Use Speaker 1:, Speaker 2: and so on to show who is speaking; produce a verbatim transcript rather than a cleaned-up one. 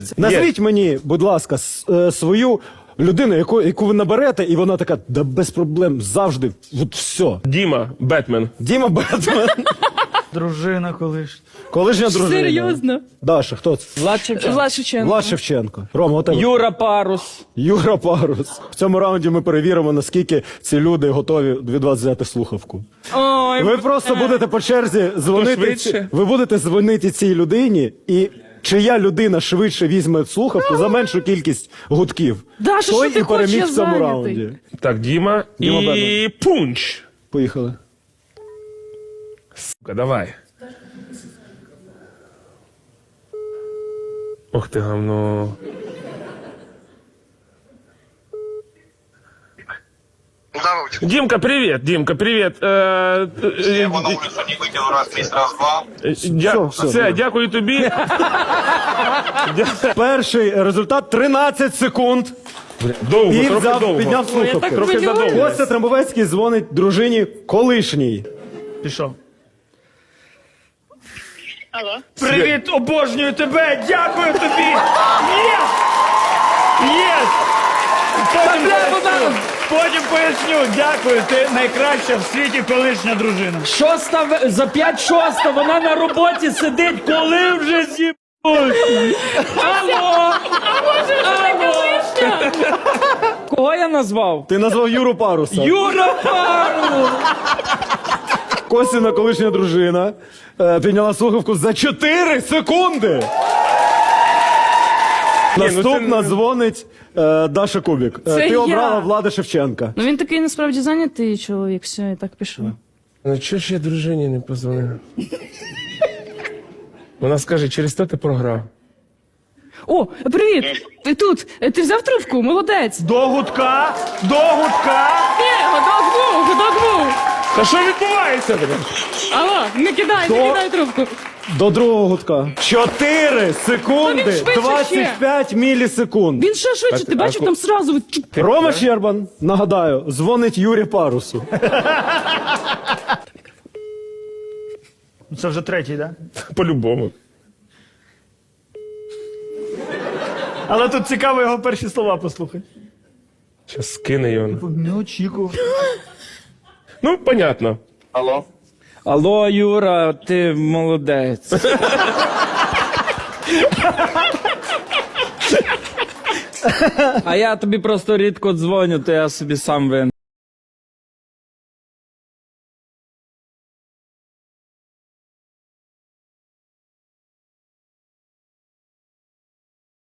Speaker 1: Назвіть мені, будь ласка, с- е, свою людину, яку, яку ви наберете, і вона така, да без проблем, завжди, от все.
Speaker 2: Діма, Бетмен.
Speaker 1: Діма Бетмен.
Speaker 3: Дружина колишня.
Speaker 1: Колишня дружина.
Speaker 4: Серйозно?
Speaker 1: Даша, хто це?
Speaker 3: Влад Шевченко.
Speaker 4: Влад Шевченко.
Speaker 1: Влад Шевченко. Рома, у тебе?
Speaker 3: Юра Парус.
Speaker 1: Юра Парус. В цьому раунді ми перевіримо, наскільки ці люди готові від вас взяти слухавку.
Speaker 4: Ой,
Speaker 1: Ви просто будете по черзі дзвонити.
Speaker 2: швидше?
Speaker 1: ці- Ви будете дзвонити цій людині, і чия людина швидше візьме слухавку за меншу кількість гудків.
Speaker 4: Даша,
Speaker 1: той
Speaker 4: що ти
Speaker 1: і переміг
Speaker 4: хочеш,
Speaker 1: в цьому
Speaker 4: я
Speaker 1: раунді.
Speaker 4: зайнятий.
Speaker 2: Так, Діма,
Speaker 1: Діма
Speaker 2: і
Speaker 1: Бетмен.
Speaker 2: пунч.
Speaker 1: Поїхали.
Speaker 2: Сука, давай. Ох ти гавно.
Speaker 5: Да, Вовчик.
Speaker 2: Димка, привет, Димка, привет. Е,
Speaker 5: Я
Speaker 2: е,
Speaker 5: его на улицу не выкинул раз, есть, раз, два.
Speaker 2: е, дя-
Speaker 1: все,
Speaker 2: Все,
Speaker 1: все.
Speaker 2: дякую тобі. Дя-
Speaker 1: Перший результат тринадцять секунд.
Speaker 2: Довго,
Speaker 1: І
Speaker 2: трохи
Speaker 1: взяв,
Speaker 2: довго.
Speaker 1: підняв
Speaker 4: Ой, я так
Speaker 1: слухавку.
Speaker 2: Трохи
Speaker 4: хвилююсь.
Speaker 2: задовго.
Speaker 1: Костя Трамбовецький дзвонить дружині колишній.
Speaker 3: Пішов.
Speaker 6: Алло.
Speaker 3: Привіт, обожнюю тебе! Дякую тобі! Єс! Єс! Потім поясню, потім поясню. Дякую, ти найкраща в світі колишня дружина.
Speaker 7: Шоста в- за п'ять шоста, вона на роботі сидить, коли вже зібуть. Алло! Алло! Кого я назвав?
Speaker 1: Ти назвав Юру Паруса.
Speaker 7: Юра Пару!
Speaker 1: Костіна колишня дружина е, підняла слухавку за чотири секунди.
Speaker 2: ну
Speaker 1: Наступна
Speaker 2: це-
Speaker 1: дзвонить е, Даша Кубік. Е,
Speaker 4: Це
Speaker 1: ти
Speaker 4: я.
Speaker 1: обрала Влада Шевченка.
Speaker 4: Ну він такий насправді зайнятий чоловік, все, і так пішов.
Speaker 2: Ну чого ж я дружині не позвонив? Вона скаже, через те ти програв.
Speaker 4: О, привіт! Ти тут? Е, Ти взяв трубку? Молодець!
Speaker 3: До гудка, до гудка.
Speaker 4: Ні, годок був, годок був!
Speaker 2: Та що відбувається?
Speaker 4: Алло, не кидай,
Speaker 1: До-
Speaker 4: не кидай трубку.
Speaker 1: До другого гудка. Чотири
Speaker 4: Ну, він
Speaker 1: секунди,
Speaker 4: швидше
Speaker 1: двадцять п'ять мілісекунд.
Speaker 4: Він ще швидше, ти бачив, там сразу... от чуп.
Speaker 1: Рома Щербан, нагадаю, дзвонить Юрі Парусу.
Speaker 3: Це вже третій, так? Да?
Speaker 2: По-любому.
Speaker 3: Але тут цікаво його перші слова послухати.
Speaker 2: Щас скине його.
Speaker 3: Не очікував.
Speaker 2: Ну, понятно.
Speaker 5: Алло.
Speaker 7: Алло, Юра, ти молодець. А я тобі просто рідко дзвоню, то я собі сам винен.